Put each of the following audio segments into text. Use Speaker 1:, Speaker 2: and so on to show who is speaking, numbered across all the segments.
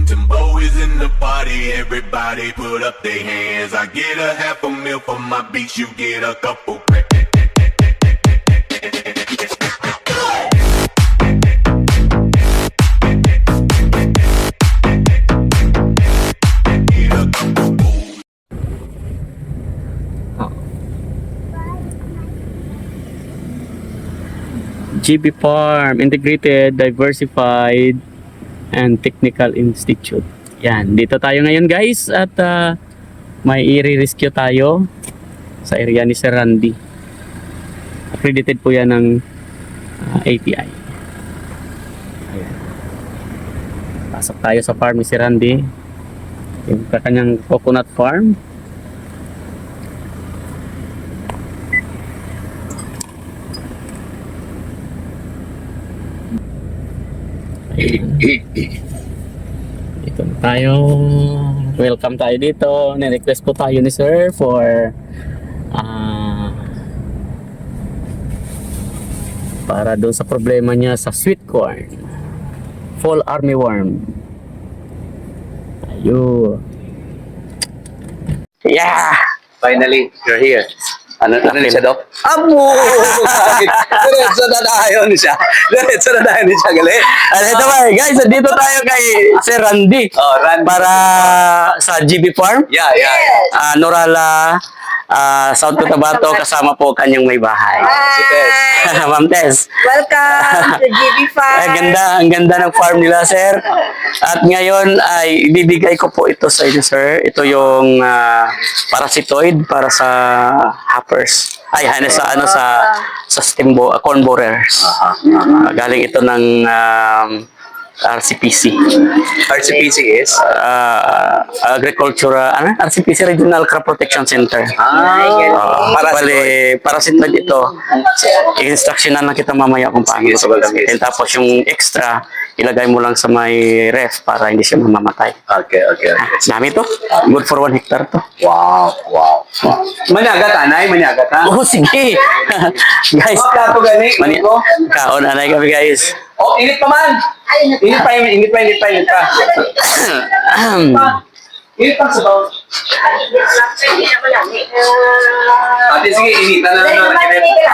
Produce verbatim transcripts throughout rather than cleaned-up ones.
Speaker 1: Timbo is in the party, everybody put up their hands. I get a half a mil for my beats, you get a couple.
Speaker 2: G B Farm, Integrated, Diversified, and Technical Institute. Yan, dito tayo ngayon guys at uh, may i-rescue tayo sa area ni Sir Randy. Accredited po yan ng uh, A T I. Ayan. Pasok tayo sa farm ni Sir Randy. Yung kanyang coconut farm. Dito na tayo. Welcome tayo dito. Ni-request po tayo ni Sir for uh, para doon sa problema niya sa sweet corn, fall armyworm. Ayun.
Speaker 3: Yeah! Finally, you're here. Ano, ano
Speaker 2: Okay.
Speaker 3: siya, Doc? Amo! Diretso na tayo ni siya. Diretso na tayo ni siya, gali.
Speaker 2: Ano ito ba, guys? Dito tayo kay Sir Randy.
Speaker 3: Oh, Randy.
Speaker 2: Para sa G B Farm.
Speaker 3: Yeah, yeah.
Speaker 2: Uh, Norala, uh, South Cotabato, kasama po kanyang may bahay.
Speaker 3: Si Tess.
Speaker 2: Ma'am Tess.
Speaker 4: Welcome to G B Farm.
Speaker 2: Ay, ganda, ang ganda ng farm nila, sir. At ngayon ay ibibigay ko po ito sa inyo, sir. Ito yung uh, parasitoid para sa hoppers. Ay, ano sa ano sa sa stem bo, uh, corn borers. Uh, galing ito ng um, R C P C.
Speaker 3: R C P C is?
Speaker 2: Uh, Agricultural, ano? R C P C Regional Crop Protection Center.
Speaker 3: Ah,
Speaker 2: Uh,
Speaker 3: para sa
Speaker 2: bali, parasitoid ito. I-instructionan na kita mamaya kung paano
Speaker 3: Sige,
Speaker 2: ito
Speaker 3: sige,
Speaker 2: gagamitin.
Speaker 3: sige.
Speaker 2: Tapos yung extra, ilagay mo lang sa may ref para hindi siya mamamatay.
Speaker 3: Okay, okay, okay.
Speaker 2: Dami to. Good for one hectare to.
Speaker 3: Wow, wow, wow. Maniagat, anay, maniagat, ha?
Speaker 2: Oh, sige. Guys,
Speaker 3: Oh, kato gani,
Speaker 2: mani
Speaker 3: ko.
Speaker 2: kaon anay kami guys.
Speaker 3: Oh, init pa man. Init pa, init pa, init pa, init pa.
Speaker 2: Ahem.
Speaker 3: Init pa sa bawah. Ate, sige, initan na lang naman.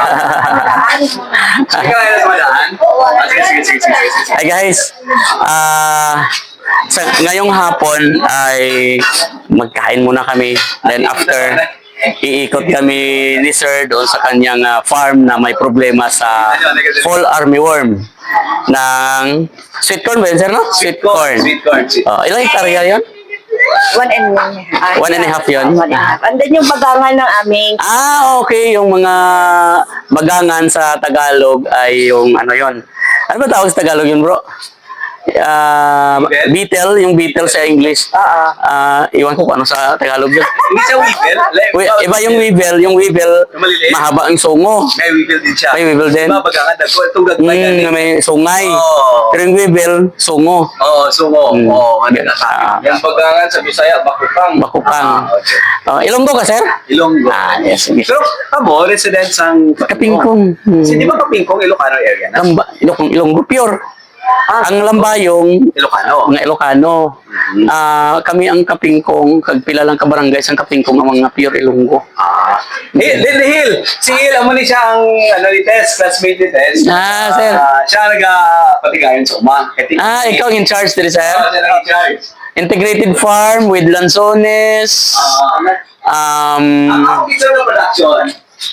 Speaker 3: Sige, kaya na tumadaan. Ah, sige, sige, sige, sige, sige.
Speaker 2: Hi guys. Ah, sa ngayong hapon ay magkain muna kami. Then after iikot kami ni Sir doon sa kanyang ah, farm na may problema sa fall armyworm ng sweet corn ba yun, sir, no? Sweet corn.
Speaker 3: Sweet corn. Sweet.
Speaker 2: Oh, ilang hektarya yun?
Speaker 4: One and one. Ah,
Speaker 2: One and a half yun?
Speaker 4: One and a half. And then yung bagangan ng aming
Speaker 2: Ah, okay. Yung mga bagangan sa Tagalog ay yung ano yon. Ano ba tawag sa Tagalog yun, bro? Ah,
Speaker 3: Beetle?
Speaker 2: beetle, yung beetle sa English.
Speaker 4: Oo.
Speaker 2: Ah, iwan ko kung ano sa Tagalog yun.
Speaker 3: Hindi siya weevil.
Speaker 2: Wi- Iba yung weevil, yung weevil,
Speaker 3: Yung maliliit?
Speaker 2: mahaba ang sungo.
Speaker 3: May weevil din siya.
Speaker 2: May weevil din?
Speaker 3: Diba, bagangan, dagko, itong gagmay
Speaker 2: Mm,
Speaker 3: gani.
Speaker 2: na may sungay.
Speaker 3: Oo.
Speaker 2: Pero yung weevil, sungo.
Speaker 3: Oo, sungo.
Speaker 2: Mm.
Speaker 3: Oo, ano na
Speaker 2: Ah.
Speaker 3: Yung bagangan sa Bisaya, bakupang.
Speaker 2: Bakupang.
Speaker 3: Ah, okay.
Speaker 2: Ah, Ilonggo ka, sir?
Speaker 3: Ilonggo.
Speaker 2: Ah, yes, sige.
Speaker 3: Pero, kamo, residents ang...
Speaker 2: Kapingkong. Hmm.
Speaker 3: Si, di ba Kapingkong, Ilocano area na?
Speaker 2: Lamba, Ilong, Ilonggo, pure.
Speaker 3: Ah,
Speaker 2: Ang lambayong,
Speaker 3: Ilocano.
Speaker 2: mga Ilocano. Ah, kami ang Kapingkong, kagpila lang ka barangays ang Kapingkong ang mga pure Ilonggo.
Speaker 3: Ah. Hill, Hill, Hill. Si Hill, amo ni siya ang, ano ni Tess, classmate ni Tess.
Speaker 2: Ah, sir.
Speaker 3: siya nag-patigayon sa uma. Kati-
Speaker 2: Ah, ikaw ang in charge dito, sir.
Speaker 3: Oo, siya nag-charge.
Speaker 2: Integrated farm with lanzones.
Speaker 3: Ah,
Speaker 2: Um,
Speaker 3: ang ako kita ng production,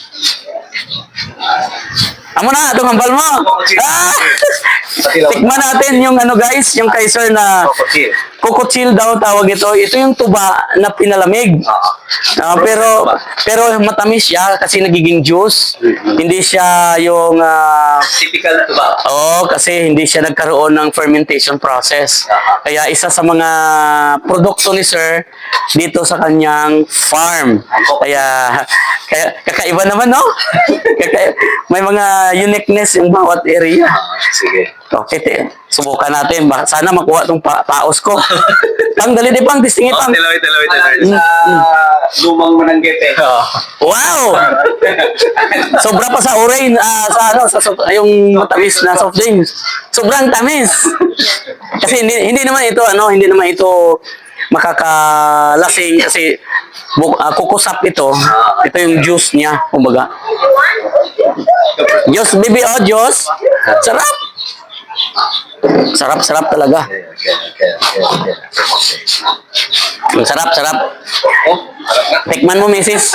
Speaker 2: amo na, itong hambal mo. Ah! Tikman natin yung ano guys, yung kay sir na
Speaker 3: Cocochill.
Speaker 2: cocochill daw tawag ito. Ito yung tuba na pinalamig. Ah, pero pero matamis siya kasi nagiging juice. Hindi siya yung ah,
Speaker 3: Typical na tuba.
Speaker 2: Oo, kasi hindi siya nagkaroon ng fermentation process. Kaya isa sa mga produkto ni Sir dito sa kanyang farm. Kaya, kaya kakaiba naman, no? Kaya, may mga uniqueness yung bawat area.
Speaker 3: Ah, sige.
Speaker 2: Okay, te. Subukan natin. Baka sana makuha tong pa paos ko. Pang, dali di pang, tistingin
Speaker 3: Oh,
Speaker 2: pang.
Speaker 3: tilawit, tilawit, tilawit.
Speaker 2: Mm,
Speaker 3: Sa lumang mananggit eh.
Speaker 2: Wow! Sobra pa sa orange, ah, sa ano, sa soft- yung matamis na soft drinks. Sobrang tamis. Kasi hindi, hindi naman ito, ano, hindi naman ito makakalasing kasi bu- ah, kukusap ito. Ito yung juice niya, kumbaga. Juice, baby, oh, juice. Sarap. Sarap, sarap talaga.
Speaker 3: Okay, okay, okay, okay.
Speaker 2: Ang sarap, sarap.
Speaker 3: Oh, harap nga.
Speaker 2: Tikman mo, misis.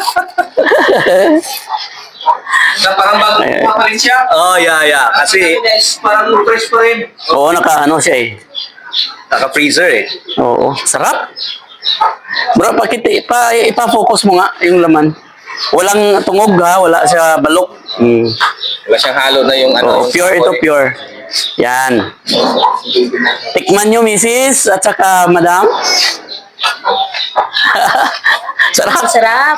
Speaker 3: Na parang bago
Speaker 2: Ay, ay.
Speaker 3: pa rin siya. Oh, yeah, yeah. Kasi parang fresh pa rin.
Speaker 2: Oo, naka ano siya eh.
Speaker 3: Naka-freezer eh.
Speaker 2: Oo, sarap. Bro, pakita, ipa, ipa-focus mo nga yung laman. Walang tungog ha, wala siya balok. Mm.
Speaker 3: Wala siyang halo na yung ano.
Speaker 2: Oo, pure ito, pure. Yan. Tikman nyo, misis, at saka madam. Sarap.
Speaker 4: Sarap.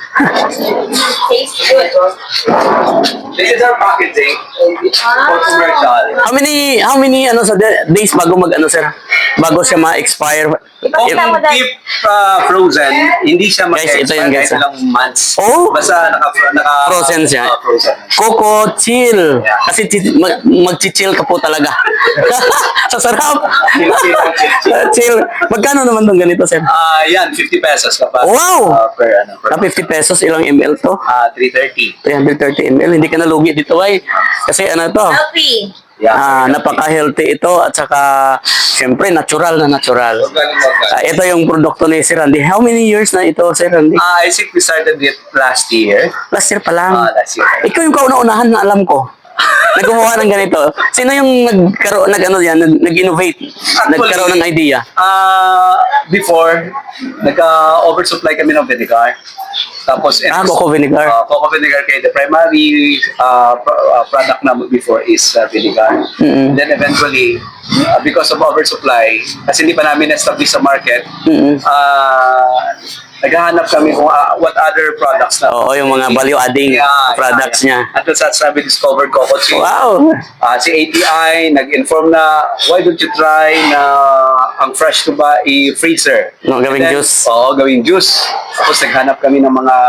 Speaker 4: Tastes good.
Speaker 3: This is our packaging for commercial.
Speaker 2: How many, how many ano sa de- days bago mag ano sir? Bago siya ma-expire?
Speaker 4: Ipakita mo
Speaker 3: Kung
Speaker 4: dahil.
Speaker 3: keep uh, frozen, hindi siya
Speaker 2: Guys, ito
Speaker 3: mag-expire
Speaker 2: yun, guys,
Speaker 3: kahit
Speaker 2: ah.
Speaker 3: ilang months.
Speaker 2: Oh!
Speaker 3: Basta naka, naka
Speaker 2: Frozen siya.
Speaker 3: Uh, frozen.
Speaker 2: Coco chill. Kasi chi- mag- mag-chill ka po talaga. Sa sarap.
Speaker 3: Chill, chill, chill, chill.
Speaker 2: Chill. Magkano naman tong ganito, sir?
Speaker 3: Ah, yan, fifty pesos kapag
Speaker 2: Wow!
Speaker 3: uh, per ano, per
Speaker 2: Na fifty pesos, ilang ml to?
Speaker 3: ah, three thirty.
Speaker 2: three hundred thirty milliliters. Hindi ka nalugi dito, ay. Kasi ano to?
Speaker 4: Healthy.
Speaker 3: Yeah.
Speaker 2: Ah, napaka-healthy ito at saka syempre natural na natural.
Speaker 3: Organic, organic.
Speaker 2: Ah, ito yung produkto ni Sir Randy. How many years na ito, Sir Randy?
Speaker 3: Ah, I think we started it last year.
Speaker 2: Last year pa lang.
Speaker 3: Ah, last year.
Speaker 2: Ikaw yung kauna-unahan na alam ko. Naggumawa ng ganito. Sino yung nagkaroon, nag, ano yan, nag, nag-innovate? Nagkaroon ng idea?
Speaker 3: Ah, before, nagka-oversupply kami ng vinegar. Tapos,
Speaker 2: Ah, coco vinegar.
Speaker 3: Uh, coco vinegar kaya the primary uh, pro- uh, product na before is uh, vinegar.
Speaker 2: Mm-mm.
Speaker 3: Then eventually, uh, because of oversupply, kasi hindi pa namin na-establish sa market,
Speaker 2: Mm-mm.
Speaker 3: uh, naghahanap kami kung uh, what other products na.
Speaker 2: Oo, yung mga value-adding products niya.
Speaker 3: At sa sabi discovered Coco Cheese.
Speaker 2: Wow!
Speaker 3: Ah, si A T I nag-inform na why don't you try na ang fresh to ba i-freezer.
Speaker 2: No, gawing
Speaker 3: And then,
Speaker 2: juice.
Speaker 3: Oo, gawing juice. Tapos naghanap kami ng mga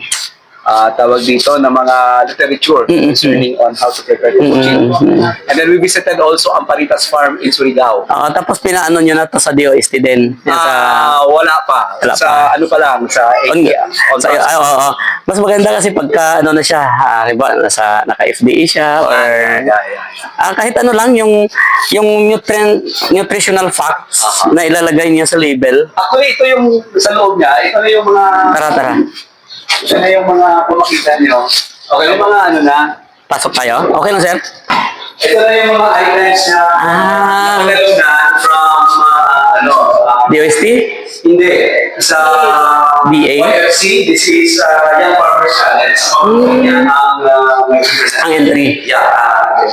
Speaker 3: ah, tawag dito ng mga literature
Speaker 2: Mm-mm.
Speaker 3: concerning on how to prepare Coco Cheese. And then we visited also Amparitas Farm in Surigao.
Speaker 2: Oo, tapos pinaano nyo na to sa D O S T din. Yan sa...
Speaker 3: Ah, wala pa.
Speaker 2: Wala
Speaker 3: sa
Speaker 2: pa.
Speaker 3: ano pa lang, sa A
Speaker 2: On,
Speaker 3: T I. On
Speaker 2: sa, ay, oo, oo. Mas maganda kasi pagka ano na siya, ah, diba, nasa, naka-F D A siya or
Speaker 3: yeah, yeah, yeah.
Speaker 2: ah, kahit ano lang yung yung nutrient, nutritional facts
Speaker 3: Aha.
Speaker 2: na ilalagay niya sa label.
Speaker 3: Actually, ito yung sa loob niya. Ito na yung mga
Speaker 2: Tara, tara.
Speaker 3: ito na yung mga kung makita niyo. Okay, yung mga ano na.
Speaker 2: Pasok tayo. Okay lang, sir?
Speaker 3: Ito na yung mga items na
Speaker 2: Ah.
Speaker 3: nakagalaw na from uh, ano, uh,
Speaker 2: D O S T?
Speaker 3: hindi, sa
Speaker 2: D A?
Speaker 3: Y F C. This is uh, Young Farmers Challenge.
Speaker 2: Hmm.
Speaker 3: Yan ang uh,
Speaker 2: Ang entry.
Speaker 3: Yeah. Uh,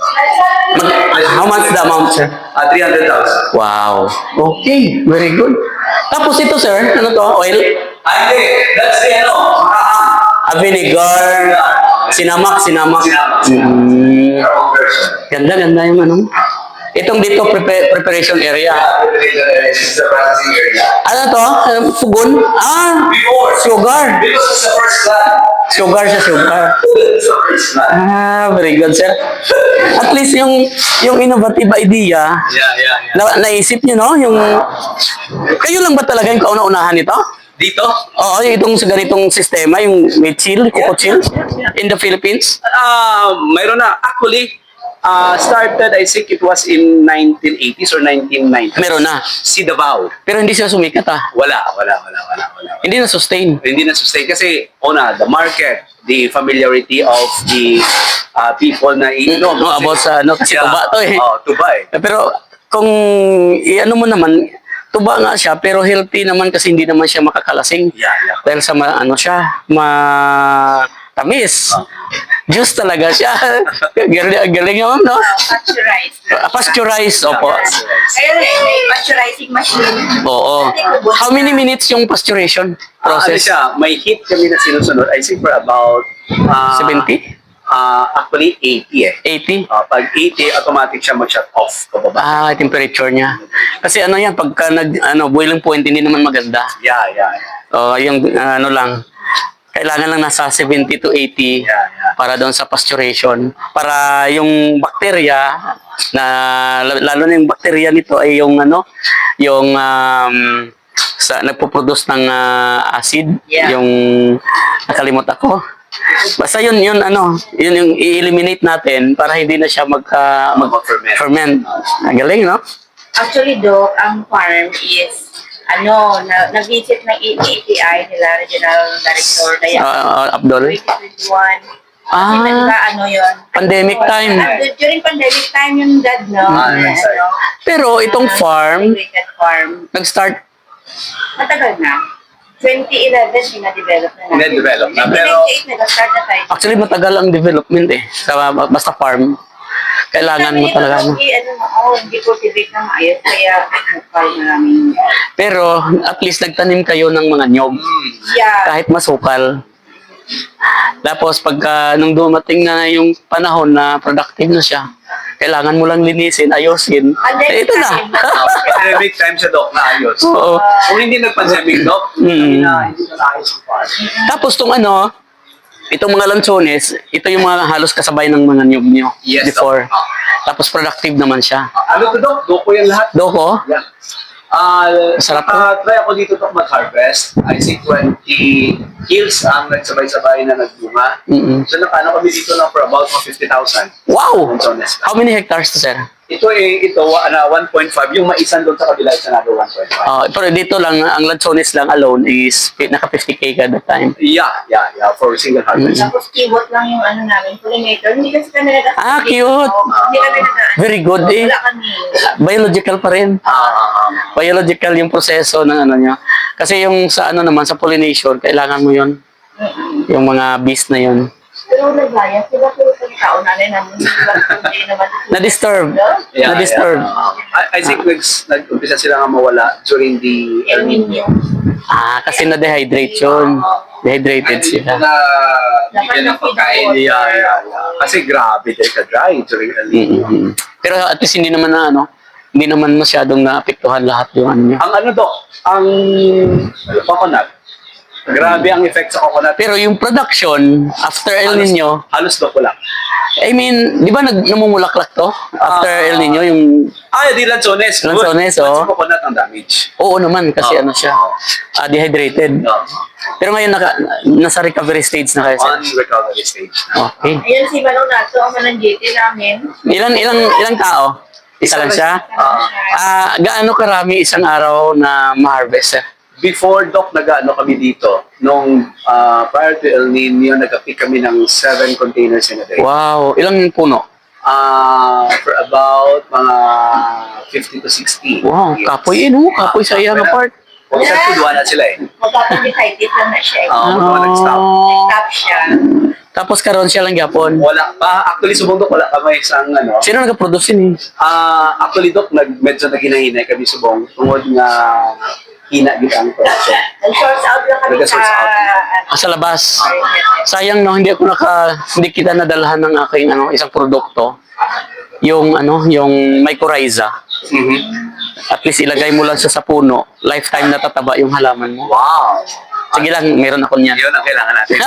Speaker 2: Mag- how much the amount, sir?
Speaker 3: uh, three hundred thousand.
Speaker 2: Wow. Okay, very good. Tapos ito, sir, ano to? Oil?
Speaker 3: Ay, hindi. That's the ano. makahang.
Speaker 2: A vinegar. Sinamak, sinamak.
Speaker 3: Sinamak.
Speaker 2: Mm.
Speaker 3: Our own version.
Speaker 2: Ganda, ganda yung ano. Itong dito, prepa- preparation area.
Speaker 3: This is the processing area.
Speaker 2: Ano to? Um, Pugon? Ah,
Speaker 3: Before.
Speaker 2: sugar.
Speaker 3: Because it's the first plant.
Speaker 2: Sugar sa sugar.
Speaker 3: It's the first plant.
Speaker 2: Ah, very good, sir. At least yung yung innovative idea,
Speaker 3: Yeah, yeah, yeah.
Speaker 2: na, naisip niyo, no? Yung, kayo lang ba talaga yung kauna-unahan nito?
Speaker 3: Dito?
Speaker 2: Oo, yung itong sa ganitong sistema, yung may chill, coco chill, in the Philippines.
Speaker 3: Ah, mayroon na. Actually, uh, started, I think it was in nineteen eighties or nineteen nineties.
Speaker 2: Meron na.
Speaker 3: Si Davao.
Speaker 2: Pero hindi siya sumikat, ah.
Speaker 3: Wala, wala, wala, wala, wala.
Speaker 2: Hindi na sustain.
Speaker 3: Hindi na sustain kasi, una, the market, the familiarity of the uh, people na iinom.
Speaker 2: No, about sa ano, kasi tuba to eh.
Speaker 3: Oh, tuba eh.
Speaker 2: Pero kung i-ano mo naman, tuba nga siya, pero healthy naman kasi hindi naman siya makakalasing.
Speaker 3: Yeah, yeah.
Speaker 2: Dahil sa ma, ano siya, matamis. Juice talaga siya. galing, galing nga ma'am, no?
Speaker 4: Pasteurized.
Speaker 2: Ah, Pasteurized, opo.
Speaker 4: Kaya may pasteurizing machine.
Speaker 2: Oo. How many minutes yung pasteurization
Speaker 3: Ah, ano
Speaker 2: process?
Speaker 3: siya, may heat kami na sinusunod. I think for about... Uh,
Speaker 2: seventy?
Speaker 3: Ah, actually, eighty eh.
Speaker 2: eighty?
Speaker 3: Ah, pag eighty, automatic siya mag-shut off pababa.
Speaker 2: Ah, temperature niya. Kasi ano yan, pagka nag, ano, boiling point, hindi naman maganda.
Speaker 3: Yeah, yeah, yeah.
Speaker 2: O, yung uh, ano lang, kailangan lang nasa seventy to eighty
Speaker 3: Yeah, yeah.
Speaker 2: para doon sa pasteurization. Para yung bakterya, na lalo na yung bakterya nito ay yung ano, yung um, sa, nagpo-produce ng ah, acid,
Speaker 4: Yeah.
Speaker 2: yung nakalimot ako. Basta yun, yun ano, yun yung i-eliminate natin para hindi na siya magka,
Speaker 3: Mag-ferment.
Speaker 2: mag-ferment. Ang galing, no?
Speaker 4: Actually, Doc, ang farm is, ano, na, nag-visit ng A T I nila, Regional Director, Dayan,
Speaker 2: Ah, Abdul.
Speaker 4: twenty twenty-one. Kasi
Speaker 2: Ah,
Speaker 4: nagka, ano yun.
Speaker 2: pandemic time.
Speaker 4: Ah, during pandemic time yung dad, no?
Speaker 3: Ah,
Speaker 4: Na,
Speaker 3: sorry.
Speaker 4: ano,
Speaker 2: Pero itong
Speaker 4: na
Speaker 2: farm,
Speaker 4: integrated farm.
Speaker 2: nag-start,
Speaker 4: Matagal na. twenty eleven, pina-develop na natin.
Speaker 3: Pina-develop na,
Speaker 4: twenty
Speaker 3: pero-
Speaker 4: ninety-eight, nag-start na tayo.
Speaker 2: actually matagal ang development eh. Sa basta farm. Kailangan mo
Speaker 4: Sabi
Speaker 2: talaga.
Speaker 4: nito,
Speaker 2: Ano.
Speaker 4: Hindi, ano, oh, hindi cultivate ng maayos, kaya farm namin.
Speaker 2: Pero at least nagtanim kayo ng mga nyog.
Speaker 4: Yeah.
Speaker 2: Kahit masukal. Tapos pagka nung dumating na yung panahon na productive na siya, kailangan mo lang linisin, ayusin. Eh, ito na.
Speaker 3: Pandemic time siya, Doc, na ayos.
Speaker 2: Oo.
Speaker 3: Kung hindi nag-pandemic, Doc,
Speaker 2: Mm.
Speaker 3: hindi na hindi na naayos ang farm.
Speaker 2: Tapos tong ano, itong mga lansones, ito yung mga halos kasabay ng mga nyog nyo
Speaker 3: Yes,
Speaker 2: before.
Speaker 3: Doc.
Speaker 2: Tapos productive naman siya.
Speaker 3: Ano to, Doc? Doko yan lahat.
Speaker 2: Doko?
Speaker 3: Yeah. Ah,
Speaker 2: Masarap to.
Speaker 3: uh, try ako dito Doc mag-harvest. I see twenty hills ang nagsabay-sabay na nagbunga.
Speaker 2: Mm-mm.
Speaker 3: So nakano kami dito lang for about fifty thousand.
Speaker 2: Wow!
Speaker 3: Lansones.
Speaker 2: How many hectares to, sir?
Speaker 3: Ito eh, ito, ano, one point five. Yung maisan doon sa kabila, it's another one point five.
Speaker 2: Uh, pero dito lang, ang lansones lang alone is pi- naka fifty K kada time.
Speaker 3: Yeah, yeah, yeah, for single harvest.
Speaker 4: Tapos keyword lang yung ano namin, pollinator. Hindi kasi kami nag
Speaker 2: Ah, cute.
Speaker 4: Hindi kami nag
Speaker 2: Very good eh.
Speaker 4: Wala kami.
Speaker 2: Biological pa rin.
Speaker 3: Ah,
Speaker 2: Biological yung proseso ng ano niya. Kasi yung sa ano naman, sa pollination, kailangan mo yun. Yung mga bees na yun.
Speaker 4: Pero nagaya sila, pero sa tao namin namin, hindi naman.
Speaker 2: Na-disturb.
Speaker 3: yeah,
Speaker 2: Na-disturb.
Speaker 3: yeah. I, I think nags- nag-umpisa sila nga mawala during the
Speaker 4: El Nino.
Speaker 2: Ah, kasi na-dehydrate yun. Dehydrated sila.
Speaker 3: na bigyan ng pagkain. Yeah, yeah, yeah. Kasi grabe dahil ka-dry during El Nino.
Speaker 2: Mm-mm. Pero at least hindi naman na ano, hindi naman masyadong naapektuhan lahat yung ano niya.
Speaker 3: Ang ano, Doc, ang coconut, grabe ang effect sa coconut.
Speaker 2: Pero yung production, after El
Speaker 3: Halos-
Speaker 2: Nino,
Speaker 3: Halos Doc wala.
Speaker 2: I mean, di ba nag namumulaklak to? After
Speaker 3: Ah.
Speaker 2: El Nino, yung...
Speaker 3: Ah, di lansones. Good.
Speaker 2: Lansones,
Speaker 3: But
Speaker 2: oh.
Speaker 3: sa coconut ang damage.
Speaker 2: Oo naman, kasi
Speaker 3: Oo.
Speaker 2: ano siya, ah, dehydrated.
Speaker 3: No.
Speaker 2: Pero ngayon, naka, nasa recovery stage na kayo, sir.
Speaker 3: On recovery stage.
Speaker 2: Okay.
Speaker 4: Ayun si Manong Nato, ang mananggiti namin.
Speaker 2: Ilang, ilang, ilang tao? Isa lang siya?
Speaker 3: Ah.
Speaker 2: Ah, gaano karami isang araw na ma-harvest, sir?
Speaker 3: Before, Doc, nag-ano kami dito, nung ah, prior to El Nino, nag-pick kami ng seven containers in a day.
Speaker 2: Wow, ilang puno?
Speaker 3: Ah, for about mga fifty to sixty.
Speaker 2: Wow, kapoy eh, no? Kapoy sa iyang part.
Speaker 3: Huwag sa tuduan na sila eh.
Speaker 4: Magpapandikitis lang na siya.
Speaker 3: Ah, uh, nag-stop.
Speaker 4: Nag-stop siya.
Speaker 2: Tapos karon siya lang gyapon.
Speaker 3: Wala pa. Actually, subong Doc, wala kami isang ano.
Speaker 2: Sino nag-produce yun eh?
Speaker 3: Ah, actually, Doc, nag, medyo naginahinay kami subong. Tungod nga hina gid ang production.
Speaker 4: Nag-source out lang kami sa...
Speaker 3: Nag-source out.
Speaker 2: Ah, sa labas. Sayang no, hindi ako naka hindi kita nadalhan ng aking ano isang produkto. Yung ano, yung mycorrhiza.
Speaker 3: Mhm.
Speaker 2: At least ilagay mo lang siya sa puno. Lifetime na tataba yung halaman mo.
Speaker 3: Wow.
Speaker 2: Sige lang, meron ako niyan.
Speaker 3: Yun ang kailangan natin.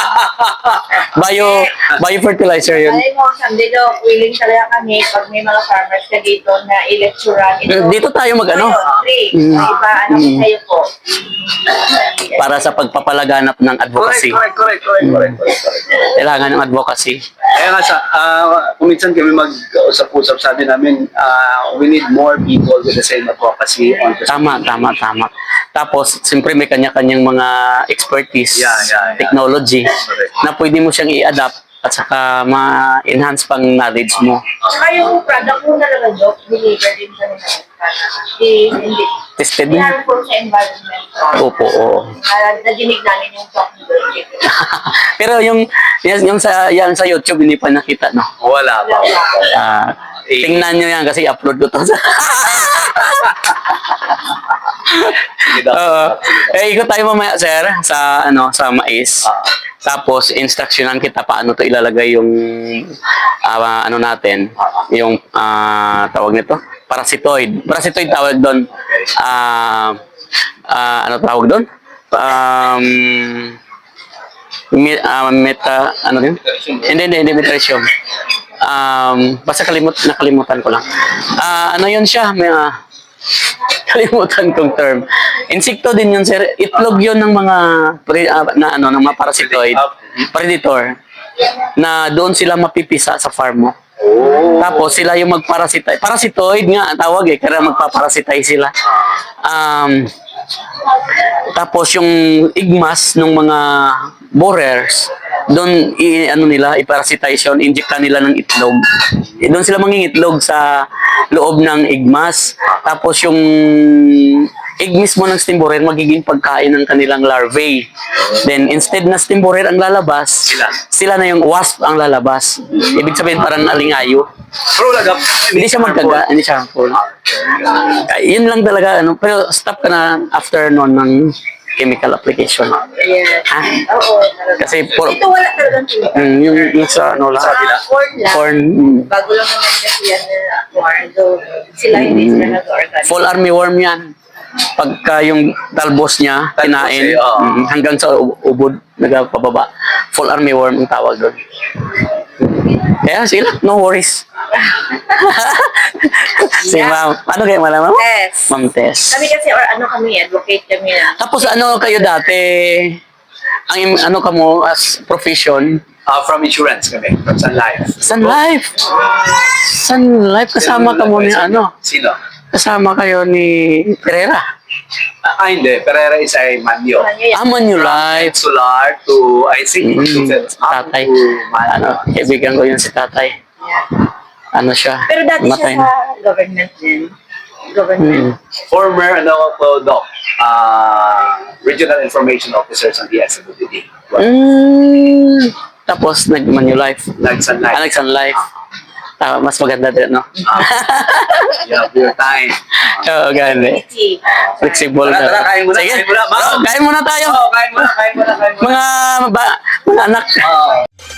Speaker 2: Bio bio fertilizer yun.
Speaker 4: Alam mo, someday daw, willing talaga kami pag may mga farmers ka dito na i-lecturean. Ito,
Speaker 2: Dito tayo mag-ano?
Speaker 4: Three.
Speaker 2: Mm.
Speaker 4: Iba, ano
Speaker 2: Mm.
Speaker 4: kayo po?
Speaker 2: Para sa pagpapalaganap ng
Speaker 3: correct,
Speaker 2: advocacy.
Speaker 3: correct, correct, correct, correct, correct, correct.
Speaker 2: Kailangan ng advocacy.
Speaker 3: Kaya nga sa, ah, kung minsan kami mag-usap-usap, sabi namin, ah, we need more people with the same advocacy on the
Speaker 2: Tama, tama, tama. Tapos, siyempre may kanya-kanyang mga expertise,
Speaker 3: Yeah, yeah, yeah.
Speaker 2: technology,
Speaker 3: Correct.
Speaker 2: na pwede mo siyang i-adapt at saka ma-enhance pang knowledge mo.
Speaker 4: Saka yung product mo talaga, Doc, deliver din sa nila. Di, hindi.
Speaker 2: Tested
Speaker 4: Hindi
Speaker 2: mo?
Speaker 4: harmful sa environment.
Speaker 2: Opo, oo.
Speaker 4: Na, nadinig namin yung talk ni Doc.
Speaker 2: Pero yung, yung, yung sa, yan sa YouTube, hindi pa nakita, no?
Speaker 3: Wala pa. Wala pa.
Speaker 2: Ah, tingnan nyo yan kasi upload ko to.
Speaker 3: Sige daw.
Speaker 2: Oo. Eh, ikot tayo mamaya, sir, sa, ano, sa mais.
Speaker 3: Ah.
Speaker 2: Tapos, instructionan kita paano to ilalagay yung ah, ano natin, yung ah, tawag nito, parasitoid. Parasitoid tawag doon. Ah, ah, ano tawag doon? Um, mi- ah, meta, ano din? Hindi, hindi, hindi, metricium. Um, basta kalimut, nakalimutan ko lang. Ah, ano yun siya? May, ah, kalimutan kong term. Insekto din yun, sir. Itlog yun ng mga pre, ah, na ano, ng mga parasitoid, predator, na doon sila mapipisa sa farm mo. Tapos sila yung magparasitoid. Parasitoid nga ang tawag eh, kaya magpaparasitay sila. Um, tapos yung igmas ng mga borers, doon i ano nila, iparasitation, injectan nila ng itlog. Eh, doon sila mangingitlog sa loob ng igmas. Tapos yung egg mismo ng steam borer magiging pagkain ng kanilang larvae. Then instead na steam borer ang lalabas,
Speaker 3: Sila.
Speaker 2: sila na yung wasp ang lalabas. Ibig sabihin parang alingayo.
Speaker 3: Pero wala gap.
Speaker 2: Hindi siya magkaga, hindi siya harmful. Ay, yun lang talaga ano, pero stop ka na after noon ng chemical application.
Speaker 4: Yes.
Speaker 2: Ha?
Speaker 4: Oo.
Speaker 2: Kasi for,
Speaker 4: Ito wala talagang chemical.
Speaker 2: mm, yung, yung sa ano lang,
Speaker 4: Ah, corn lang.
Speaker 2: corn, mm,
Speaker 4: Bago lang naman kasi yan na corn. So, sila hindi sila nag-organic.
Speaker 2: fall armyworm yan. Pagka yung talbos niya,
Speaker 3: Talbos
Speaker 2: kinain,
Speaker 3: eh, oo.
Speaker 2: mm, hanggang sa u- ubod, nagpababa. Fall armyworm ang tawag doon. Kaya sila, no worries. Si ma'am, ano kayo malaman mo?
Speaker 4: Tess.
Speaker 2: Ma'am Tess.
Speaker 4: Kami kasi, or ano kami, advocate kami na.
Speaker 2: Tapos ano kayo dati, ang im- ano ka mo as profession,
Speaker 3: Uh, from insurance kami, from Sun Life.
Speaker 2: Sun Life. Sun Life, kasama ka mo ni ano,
Speaker 3: Sino?
Speaker 2: kasama kayo ni Pereira.
Speaker 3: Ah, hindi. Pereira is ay Manyo.
Speaker 4: Ano yan?
Speaker 2: Ah, Manulife.
Speaker 3: Solar to, I think,
Speaker 2: Mm,
Speaker 3: to- up
Speaker 2: tatay.
Speaker 3: to Manyo.
Speaker 2: Ano, kaibigan ko yun si tatay. Ano siya?
Speaker 4: Pero dati
Speaker 2: namatay
Speaker 4: siya
Speaker 2: na.
Speaker 4: sa government din. Government.
Speaker 2: Mm.
Speaker 3: Former, ano po, Doc, uh, Regional Information Officer sa D S M W D.
Speaker 2: Mm. Tapos nag-Manulife.
Speaker 3: Nag-Sun
Speaker 2: Ah,
Speaker 3: Life.
Speaker 2: nag-Sun Life. Ah, mas maganda din, no?
Speaker 3: Yeah, your time.
Speaker 2: Oo, gani.
Speaker 4: Easy.
Speaker 2: Flexible
Speaker 3: Tara, tara, kain muna,
Speaker 2: Sige.
Speaker 3: kain muna, ma'am.
Speaker 2: Oh, kain muna tayo.
Speaker 3: Oh, kain muna, kain muna, kain muna.
Speaker 2: Mga, ba, mga anak.
Speaker 3: Oh.